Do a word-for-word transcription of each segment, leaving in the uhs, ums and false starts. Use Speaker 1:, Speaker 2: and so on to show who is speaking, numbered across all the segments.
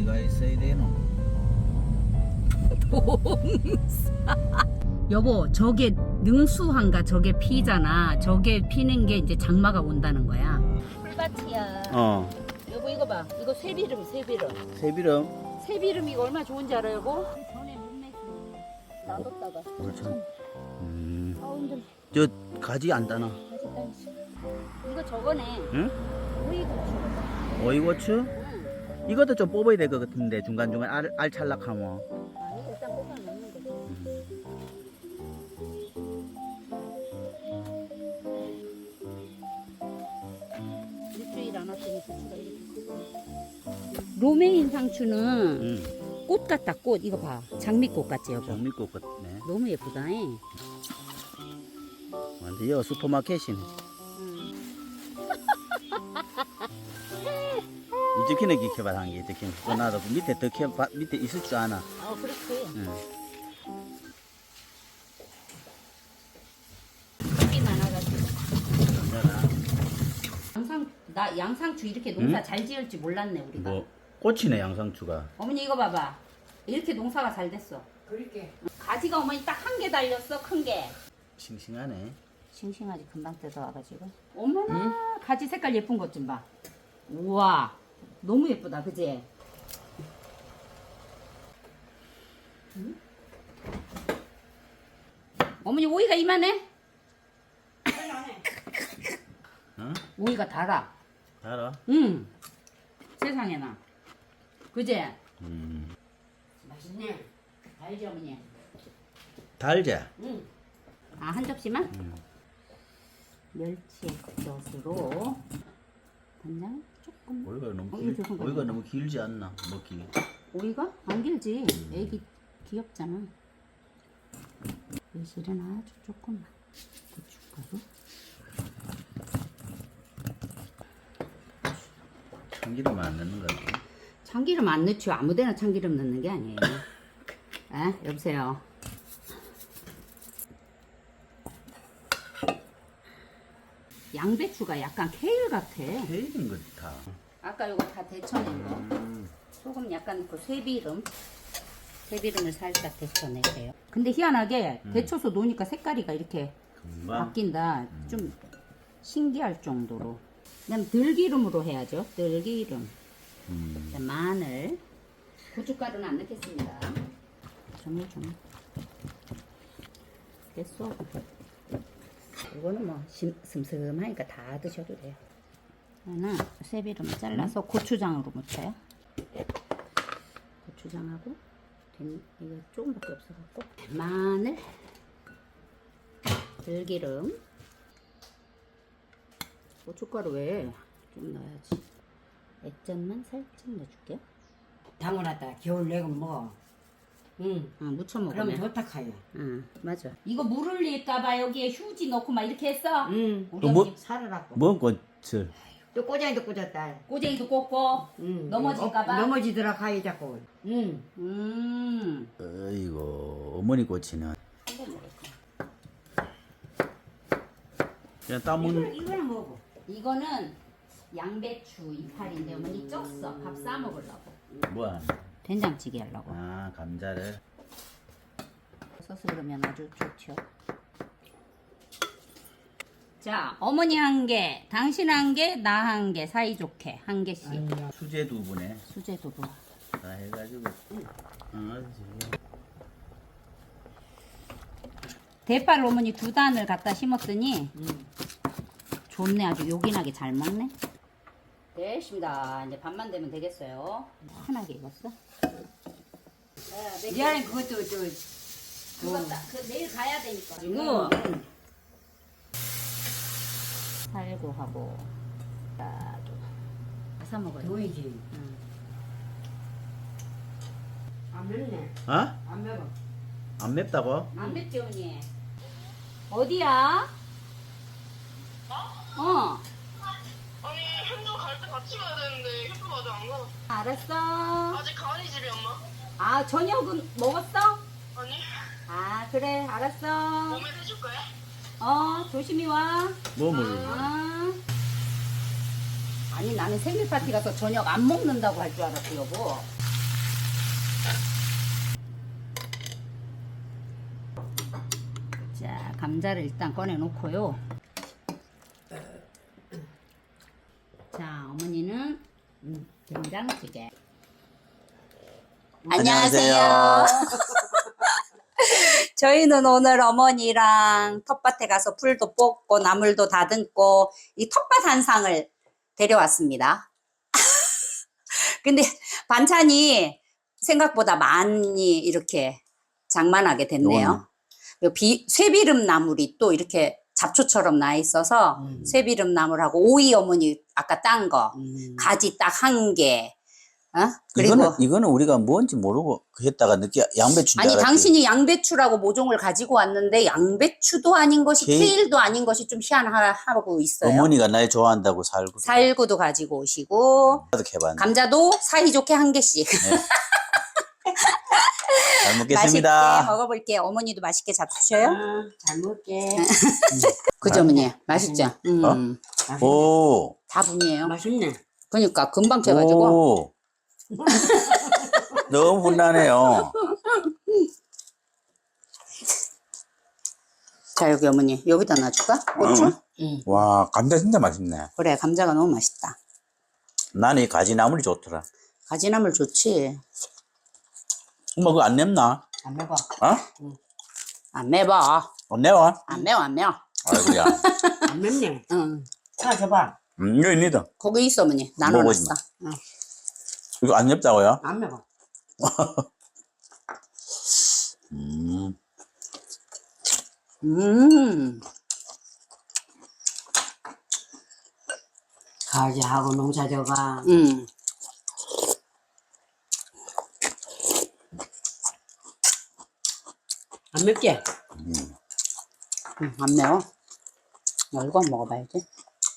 Speaker 1: 어디가 있어야 되노?
Speaker 2: 동사. 여보, 저게 능수한가 저게 피잖아. 저게 피는 게 이제 장마가 온다는 거야. 풀밭이야.
Speaker 1: 어.
Speaker 2: 여보 이거 봐. 이거 쇠비름, 쇠비름.
Speaker 1: 새비름.
Speaker 2: 쇠비름 이거 얼마 좋은지 알아요, 여보? 전에 문맥이 놔뒀다가.
Speaker 1: 그렇죠. 음.
Speaker 2: 아우 힘들어.
Speaker 1: 저 가지 안 따나?
Speaker 2: 다시 따시. 이거 저거네.
Speaker 1: 응?
Speaker 2: 오이고추.
Speaker 1: 오이고추?
Speaker 2: 응.
Speaker 1: 이것도 좀 뽑아야 될 것 같은데 중간중간 알, 알 찰락하면.
Speaker 2: 아니 일단 뽑아 놓는 거지. 일주일 안 왔더니 고추가 이렇게 크고. 로메인 상추는
Speaker 1: 응.
Speaker 2: 꽃 같다, 꽃. 이거 봐. 장미꽃 같지, 여보?
Speaker 1: 장미꽃 같네.
Speaker 2: 너무 예쁘다. 잉?
Speaker 1: 완전 여 슈퍼마켓이네. 이렇게는 기켜봐 한 게 이렇게. 또 나도 그 밑에 더 켜, 밑에 있을 줄 아나.
Speaker 2: 어, 그렇지.
Speaker 1: 응.
Speaker 2: 꽃이 많아가지고.
Speaker 1: 괜찮아.
Speaker 2: 양상, 나 양상추 이렇게 농사
Speaker 1: 응?
Speaker 2: 잘 지을지 몰랐네, 우리가.
Speaker 1: 뭐 꽃이네 양상추가.
Speaker 2: 어머니 이거 봐봐. 이렇게 농사가 잘 됐어.
Speaker 3: 그렇게
Speaker 2: 가지가 어머니 딱 한 개 달렸어, 큰 게.
Speaker 1: 싱싱하네.
Speaker 2: 싱싱하지, 금방 뜯어와가지고. 어머나, 가지 색깔 예쁜 것 좀 봐. 우와, 너무 예쁘다, 그지? 응? 어머니 오이가 이만해?
Speaker 1: 어?
Speaker 2: 오이가 달아.
Speaker 1: 달아?
Speaker 2: 응. 세상에나. 그지?
Speaker 1: 음.
Speaker 2: 맛있네. 알지, 어머니?
Speaker 1: 달자.
Speaker 2: 응. 아, 한 접시만?
Speaker 1: 음.
Speaker 2: 멸치 액젓으로 간장 조금.
Speaker 1: 오이가 너무
Speaker 2: 어,
Speaker 1: 길,
Speaker 2: 이거 조금
Speaker 1: 오이가
Speaker 2: 가져가.
Speaker 1: 너무 길지 않나 먹기.
Speaker 2: 오이가? 안 길지. 애기 귀엽잖아. 매실은 아주 조금만. 고춧가루.
Speaker 1: 참기름 안 넣는 거 같아.
Speaker 2: 참기름 안 넣죠. 아무데나 참기름 넣는 게 아니에요. 에? 여보세요. 양배추가 약간 케일 같아.
Speaker 1: 케일인 것 같아.
Speaker 2: 아까 요거 다 데쳐낸 거.
Speaker 1: 음.
Speaker 2: 소금 약간 넣고 쇠비름. 쇠비름을 살짝 데쳐내세요. 근데 희한하게
Speaker 1: 음.
Speaker 2: 데쳐서 놓으니까 색깔이가 이렇게
Speaker 1: 금방.
Speaker 2: 바뀐다. 좀 신기할 정도로. 그다음 들기름으로 해야죠. 들기름.
Speaker 1: 음.
Speaker 2: 그다음 마늘. 고춧가루는 안 넣겠습니다. 조물조물. 됐어. 이거는 뭐 심, 슴슴하니까 다 드셔도 돼요. 하나 쇠비름 잘라서 고추장으로 묻혀요. 고추장하고 된, 이거 조금밖에 없어갖고 마늘, 들기름, 고춧가루 왜 좀 넣어야지. 액젓만 살짝 넣어줄게요.
Speaker 3: 담아놨다 겨울 내건 뭐 응.
Speaker 2: 아, 묻혀
Speaker 3: 그러면
Speaker 2: 먹으면.
Speaker 3: 좋다 카야
Speaker 2: 응, 맞아. 이거 물 흘릴까봐 여기에 휴지 넣고 막 이렇게 했어.
Speaker 3: 응.
Speaker 2: 우리
Speaker 1: 또 뭐-
Speaker 2: 어머니
Speaker 3: 살아라고
Speaker 1: 뭔 꽃을?
Speaker 3: 또 꼬장이도 꽂았다
Speaker 2: 꼬쟁이도 꽂고
Speaker 3: 응.
Speaker 2: 넘어질까봐?
Speaker 3: 어, 넘어지더라 카이 자꾸 응.
Speaker 2: 음.
Speaker 1: 어이고 어머니 꽃이는 그냥 따먹는.
Speaker 3: 이거는, 이거는 뭐고
Speaker 2: 이거는 양배추 이파리인데 어머니 쪘어. 밥 싸 먹으려고.
Speaker 1: 뭐야?
Speaker 2: 된장찌개 하려고.
Speaker 1: 아 감자를.
Speaker 2: 소스 그러면 아주 좋죠. 자, 어머니 한 개, 당신 한 개, 나 한 개, 사이좋게 한 개씩.
Speaker 3: 아니야.
Speaker 1: 수제 두부네.
Speaker 2: 수제 두부.
Speaker 1: 다 해가지고. 응, 알지.
Speaker 2: 대파를 어머니 두 단을 갖다 심었더니
Speaker 3: 응.
Speaker 2: 좋네. 아주 요긴하게 잘 먹네. 됐습니다. 이제 밥만 되면 되겠어요. 환하게 익었어.
Speaker 3: 미안해 그것도 저
Speaker 2: 그거 딱, 그 내일 가야 되니까.
Speaker 3: 이거
Speaker 2: 살고 하고 따도 사 먹어요.
Speaker 3: 보이지
Speaker 2: 응.
Speaker 3: 안 맵네
Speaker 1: 어?
Speaker 3: 안 매워
Speaker 1: 안 맵다고?
Speaker 2: 안 맵지 언니? 어디야? 어.
Speaker 4: 아니 현도 갈 때 같이 가야 되는데 현도 아직 안 가.
Speaker 2: 알았어.
Speaker 4: 아직 가은이 집이 엄마?
Speaker 2: 아 저녁은 먹었어?
Speaker 4: 아니
Speaker 2: 아 그래 알았어.
Speaker 4: 몸에 해줄 거야?
Speaker 2: 어 조심히 와.
Speaker 1: 뭐 먹을?
Speaker 2: 아. 아니 나는 생일 파티 가서 저녁 안 먹는다고 할 줄 알았어 여보. 자, 감자를 일단 꺼내 놓고요. 자, 어머니는 음, 된장찌개. 안녕하세요. 저희는 오늘 어머니랑 텃밭에 가서 풀도 뽑고 나물도 다듬고 이 텃밭 한상을 데려왔습니다. 근데 반찬이 생각보다 많이 이렇게 장만하게 됐네요. 요 비, 쇠비름 나물이 또 이렇게 잡초처럼 나 있어서
Speaker 3: 음.
Speaker 2: 쇠비름 나물하고 오이 어머니 아까 딴 거,
Speaker 3: 음.
Speaker 2: 가지 딱 한 개. 어? 그리고
Speaker 1: 이거는 이거는 우리가 뭔지 모르고 했다가 늦게 양배추인 줄
Speaker 2: 아니
Speaker 1: 알았지.
Speaker 2: 당신이 양배추라고 모종을 가지고 왔는데 양배추도 아닌 것이
Speaker 1: 케이-
Speaker 2: 케일도 아닌 것이 좀 희한하고 있어요.
Speaker 1: 어머니가 날 좋아한다고 살고
Speaker 2: 살구도 가지고 오시고
Speaker 1: 나도 해봤는데.
Speaker 2: 감자도 사이좋게 한 개씩.
Speaker 1: 잘
Speaker 2: 맛있게
Speaker 1: 먹겠습니다.
Speaker 2: 먹어볼게요. 어머니도 맛있게 잡수셔요.
Speaker 3: 아, 잘 먹게.
Speaker 2: 그죠 어머니? 맛있죠? 음.
Speaker 1: 어?
Speaker 3: 맛있네.
Speaker 1: 오.
Speaker 2: 다 분이에요.
Speaker 3: 맛있네.
Speaker 2: 그러니까 금방 채가지고.
Speaker 1: 오. 너무 훈훈하네요.
Speaker 2: 자 여기 어머니 여기다 놔줄까? 고추?
Speaker 1: 응.
Speaker 2: 응.
Speaker 1: 와, 감자 진짜 맛있네.
Speaker 2: 그래 감자가 너무 맛있다.
Speaker 1: 나는 이 가지나물이 좋더라.
Speaker 2: 가지나물 좋지.
Speaker 1: 엄마 그거 안 맵나?
Speaker 3: 안 먹어.
Speaker 1: 어?
Speaker 2: 안 매워.
Speaker 1: 안 매워?
Speaker 2: 안 매워 안 매워.
Speaker 1: 아이고야.
Speaker 3: 안 맵네.
Speaker 2: 응.
Speaker 3: 자, 줘봐.
Speaker 1: 음, 이거 있니다.
Speaker 2: 거기 있어 어머니.
Speaker 1: 먹어보지
Speaker 2: 나눠놨어. 응.
Speaker 1: 이거 안 맵다고요?
Speaker 3: 안 먹어.
Speaker 1: 음.
Speaker 2: 음.
Speaker 3: 가지하고 농사져가.
Speaker 2: 음.
Speaker 3: 안 맵게.
Speaker 2: 음, 안 매워. 어, 이거 한번 먹어봐야지.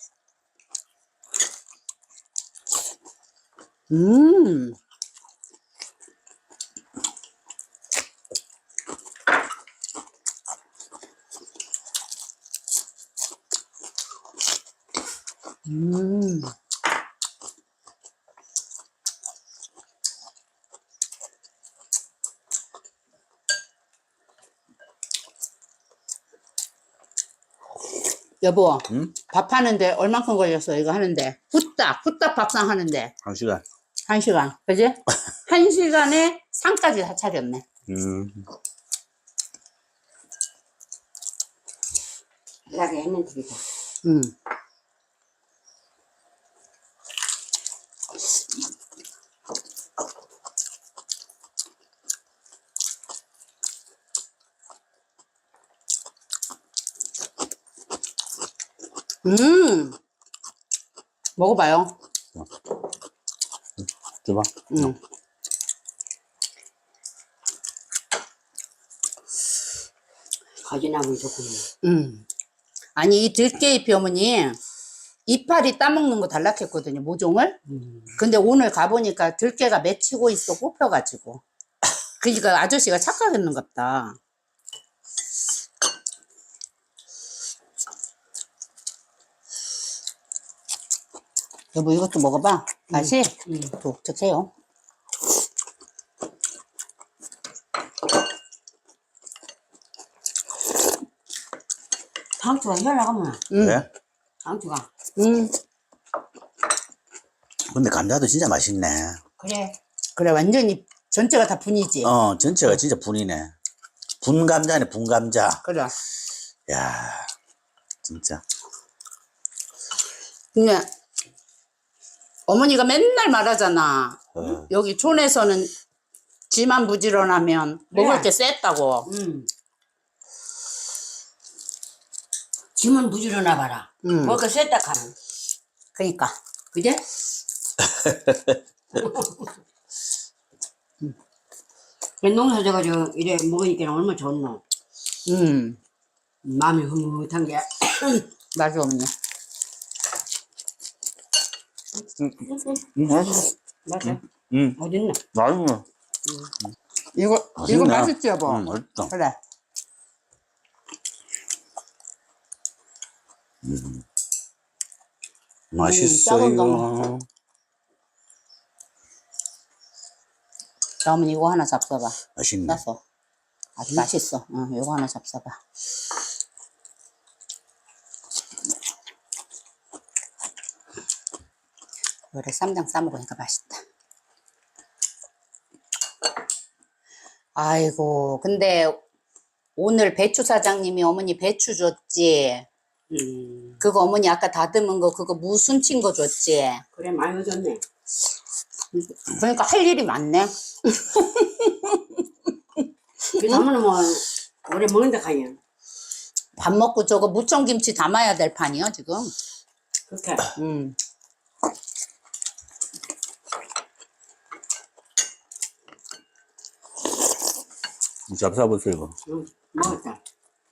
Speaker 2: 음. 음. 여보,
Speaker 1: 응?
Speaker 2: 밥 하는데 얼만큼 걸렸어, 이거 하는데? 후딱, 후딱 밥상 하는데.
Speaker 1: 한 시간.
Speaker 2: 한 시간, 그지? 한 시간에 상까지 다 차렸네.
Speaker 1: 음.
Speaker 3: 이렇게 했는 되겠다.
Speaker 2: 음. 음. 먹어봐요.
Speaker 1: 줘봐.
Speaker 2: 음.
Speaker 3: 가지나물 좋구나.
Speaker 2: 음. 아니, 이 들깨잎이 어머니, 이파리 따먹는 거 달락했거든요, 모종을.
Speaker 3: 음.
Speaker 2: 근데 오늘 가보니까 들깨가 맺히고 있어, 뽑혀가지고. 그러니까 아저씨가 착각했는갑다. 여보, 이것도 먹어봐. 맛이
Speaker 3: 음.
Speaker 2: 독특해요.
Speaker 3: 상추가 혈나가면
Speaker 2: 음.
Speaker 1: 왜?
Speaker 3: 상추가.
Speaker 2: 음.
Speaker 1: 근데 감자도 진짜 맛있네.
Speaker 3: 그래.
Speaker 2: 그래, 완전히 전체가 다 분이지.
Speaker 1: 어, 전체가 진짜 분이네. 분 감자네, 분 감자.
Speaker 2: 그래.
Speaker 1: 야, 진짜.
Speaker 2: 근데 어머니가 맨날 말하잖아.
Speaker 1: 어.
Speaker 2: 여기 촌에서는 지만 부지런하면 먹을
Speaker 3: 그래.
Speaker 2: 게 셌다고.
Speaker 3: 음. 짐은 부지런하 봐라.
Speaker 2: 음.
Speaker 3: 먹을 거 셌다 카는.
Speaker 2: 그러니까.
Speaker 3: 그제? 농사 져가지고 이래 먹으니까 얼마나 좋노.
Speaker 2: 음.
Speaker 3: 마음이 흐뭇한 게.
Speaker 2: 맞아, 어머니.
Speaker 1: 음, 맛있어.
Speaker 3: 맞아.
Speaker 1: 음,
Speaker 3: 어딨나?
Speaker 1: 맛있네.
Speaker 2: 이거,
Speaker 1: 맛있네.
Speaker 2: 이거 맛있지, 여보?
Speaker 1: 음, 맛있다.
Speaker 2: 그래.
Speaker 1: 맛있어요.
Speaker 2: 자, 어머니 이거 하나 잡숴봐.
Speaker 1: 맛있네.
Speaker 2: 싸서. 아주 맛있어. 응, 이거 하나 잡숴봐. 그래 쌈장 싸 먹으니까 맛있다. 아이고 근데 오늘 배추 사장님이 어머니 배추 줬지.
Speaker 3: 음,
Speaker 2: 그거 어머니 아까 다듬은 거 그거 무순 친 거 줬지.
Speaker 3: 그래 많이 줬네.
Speaker 2: 그러니까 할 일이 많네.
Speaker 3: 그 사람은 뭐 오래 먹는다 카냐.
Speaker 2: 밥 먹고 저거 무청김치 담아야 될 판이요 지금.
Speaker 3: 그렇게.
Speaker 2: 음.
Speaker 1: 잡숴보세요 이거.
Speaker 3: 응, 먹었다.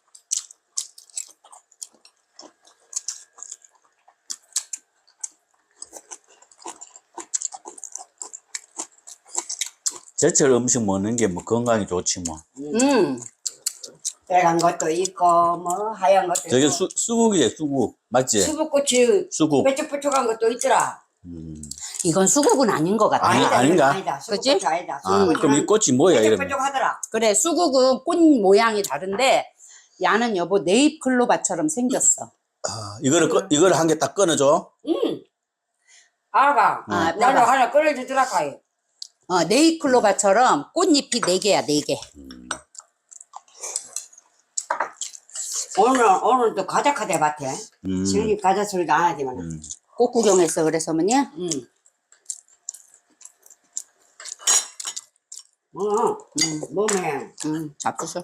Speaker 1: 제철 음식 먹는 게 뭐 건강에 좋지 뭐.
Speaker 2: 음.
Speaker 3: 빨간 것도 있고 뭐 하얀 것도
Speaker 1: 저게
Speaker 3: 있고.
Speaker 1: 수, 수국이래 수국 맞지?
Speaker 3: 수북고추
Speaker 1: 수국.
Speaker 3: 뾰족뾰족한 것도 있더라.
Speaker 1: 음.
Speaker 2: 이건 수국은 아닌 것 같아.
Speaker 1: 아니,
Speaker 3: 아니다,
Speaker 1: 아닌가?
Speaker 3: 이건 아니다.
Speaker 2: 그치?
Speaker 3: 수북고추 아니다.
Speaker 1: 아 그럼 이 꽃이 뭐야 이러면?
Speaker 3: 뾰족뾰족하더라.
Speaker 2: 그래 수국은 꽃 모양이 다른데 야는 여보 네잎클로바처럼 생겼어.
Speaker 1: 아, 이거를 꺼, 이거를 한 개 딱 끊어줘.
Speaker 3: 응. 알아.
Speaker 2: 아,
Speaker 3: 나도
Speaker 2: 내가.
Speaker 3: 하나 끓여주더라 카이.
Speaker 2: 어, 네잎클로바처럼 꽃잎이 네 개야 네 개.
Speaker 3: 오늘 오늘 또 과자 카대 밭에.
Speaker 1: 음.
Speaker 3: 지금 과자 소리도 안 하지만.
Speaker 1: 음.
Speaker 2: 꽃 구경했어 그래서 어머니.
Speaker 3: 응. 뭐,
Speaker 2: 음,
Speaker 3: 몸에
Speaker 2: 음, 잡수셔.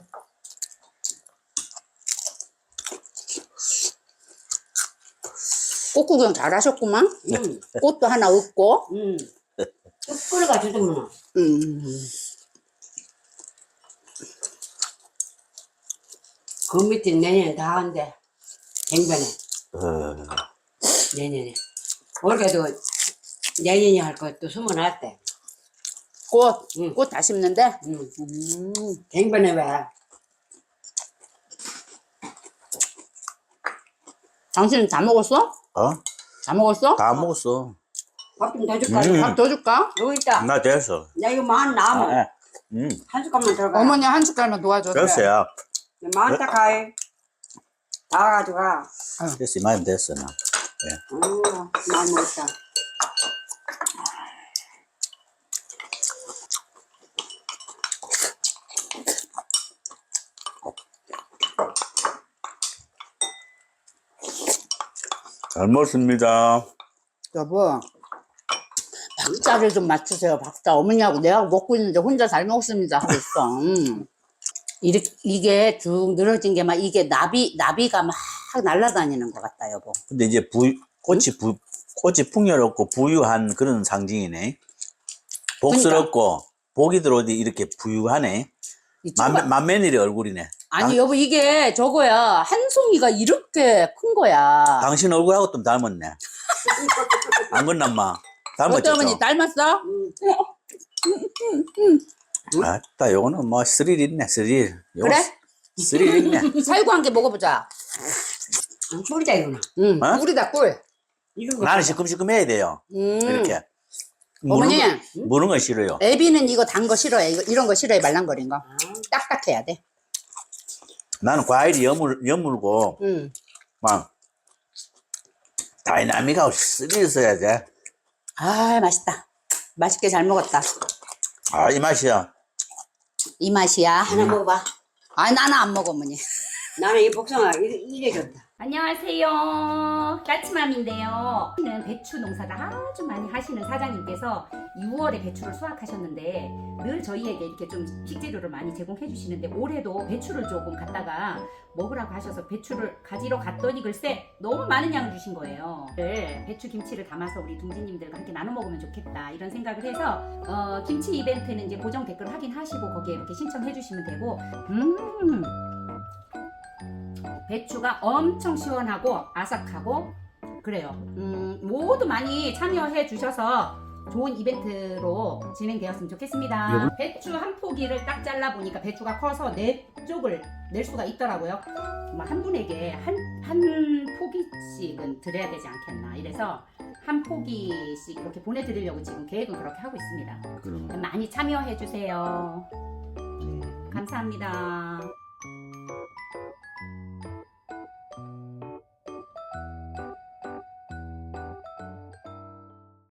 Speaker 2: 꽃 구경 잘하셨구만.
Speaker 3: 응,
Speaker 2: 꽃도 하나 얻고.
Speaker 3: 응. 뚝 끓여가지고
Speaker 2: 음.
Speaker 3: 그 밑에 내년에 다 한대. 갱변에
Speaker 1: 어.
Speaker 3: 내년에. 올해도 내년에 할 것도 숨어놨대.
Speaker 2: 꽃,
Speaker 3: 응.
Speaker 2: 꽃 다 심는데.
Speaker 3: 응.
Speaker 2: 음.
Speaker 3: 갱변에 왜?
Speaker 2: 당신 다 먹었어?
Speaker 1: 어?
Speaker 2: 다 먹었어?
Speaker 1: 다 먹었어.
Speaker 3: 밥 좀 더 줄까?
Speaker 1: 음.
Speaker 2: 밥 더 줄까?
Speaker 3: 여기 있다.
Speaker 1: 나 됐어.
Speaker 3: 야 이거 만 남아.
Speaker 1: 아, 아. 음.
Speaker 3: 한 숟갈만 들어가.
Speaker 2: 어머니 한 숟갈만 도와줘.
Speaker 1: 됐어요.
Speaker 3: 많다 카이. 다 가져가.
Speaker 1: 됐어 이만 됐어 나.
Speaker 3: 어, 많이 먹었다.
Speaker 1: 잘 먹습니다.
Speaker 2: 여보, 박자를 좀 맞추세요. 박자. 어머니하고 내가 먹고 있는데 혼자 잘 먹습니다 하고 있어. 음. 이렇게, 이게 쭉 늘어진 게 막 이게 나비, 나비가 막 날아다니는 것 같다, 여보.
Speaker 1: 근데 이제 부 꽃이 부 꽃이 풍요롭고 부유한 그런 상징이네. 복스럽고 복이 들어오니 이렇게 부유하네.
Speaker 2: 이
Speaker 1: 만,
Speaker 2: 초가-
Speaker 1: 만면일의 얼굴이네.
Speaker 2: 아니, 여보, 이게 저거야. 한 송이가 이렇게 큰 거야.
Speaker 1: 당신 얼굴하고 좀 닮았네. 안 그랬나 마. 닮았죠?
Speaker 2: 어때, 어머니, 닮았어?
Speaker 1: 아따 요거는 뭐 스릴 있네 스릴. 요거
Speaker 2: 그래?
Speaker 1: 스릴 있네.
Speaker 2: 살구 한 개 먹어보자.
Speaker 3: 안 꿀이다 이거는.
Speaker 2: 응,
Speaker 1: 어?
Speaker 2: 꿀이다, 꿀.
Speaker 3: 이런 거.
Speaker 1: 나는 시큼시큼 해야 돼요.
Speaker 2: 음.
Speaker 1: 이렇게.
Speaker 2: 어머니.
Speaker 1: 무는 거, 무는 거 싫어요.
Speaker 2: 애비는 이거 단 거 싫어해. 이거, 이런 거 싫어해, 말랑거린 거. 딱딱해야 돼.
Speaker 1: 나는 과일이 여물, 여물고
Speaker 2: 응.
Speaker 1: 막 다이나믹하고 스릴 있어야 돼.
Speaker 2: 아, 맛있다. 맛있게 잘 먹었다.
Speaker 1: 아 이 맛이야.
Speaker 2: 이 맛이야.
Speaker 3: 하나 먹어봐.
Speaker 2: 아, 나는 안 먹어, 어머니.
Speaker 3: 나는 이 복숭아 이래, 이래 좋다.
Speaker 2: 안녕하세요. 까치맘인데요. 는 배추 농사를 아주 많이 하시는 사장님께서 유월에 배추를 수확하셨는데 늘 저희에게 이렇게 좀 식재료를 많이 제공해 주시는데 올해도 배추를 조금 갖다가 먹으라고 하셔서 배추를 가지러 갔더니 글쎄 너무 많은 양을 주신 거예요. 배추 김치를 담아서 우리 둥지님들과 함께 나눠 먹으면 좋겠다 이런 생각을 해서 어, 김치 이벤트는 이제 고정 댓글 확인하시고 거기에 이렇게 신청해 주시면 되고 음 배추가 엄청 시원하고 아삭하고 그래요. 음, 모두 많이 참여해 주셔서 좋은 이벤트로 진행되었으면 좋겠습니다.
Speaker 1: 여보?
Speaker 2: 배추 한 포기를 딱 잘라 보니까 배추가 커서 네 쪽을 낼 수가 있더라고요. 뭐 한 분에게 한, 한 포기씩은 드려야 되지 않겠나. 이래서 한 포기씩 이렇게 보내드리려고 지금 계획은 그렇게 하고 있습니다.
Speaker 1: 그럼.
Speaker 2: 많이 참여해 주세요.
Speaker 1: 음.
Speaker 2: 감사합니다.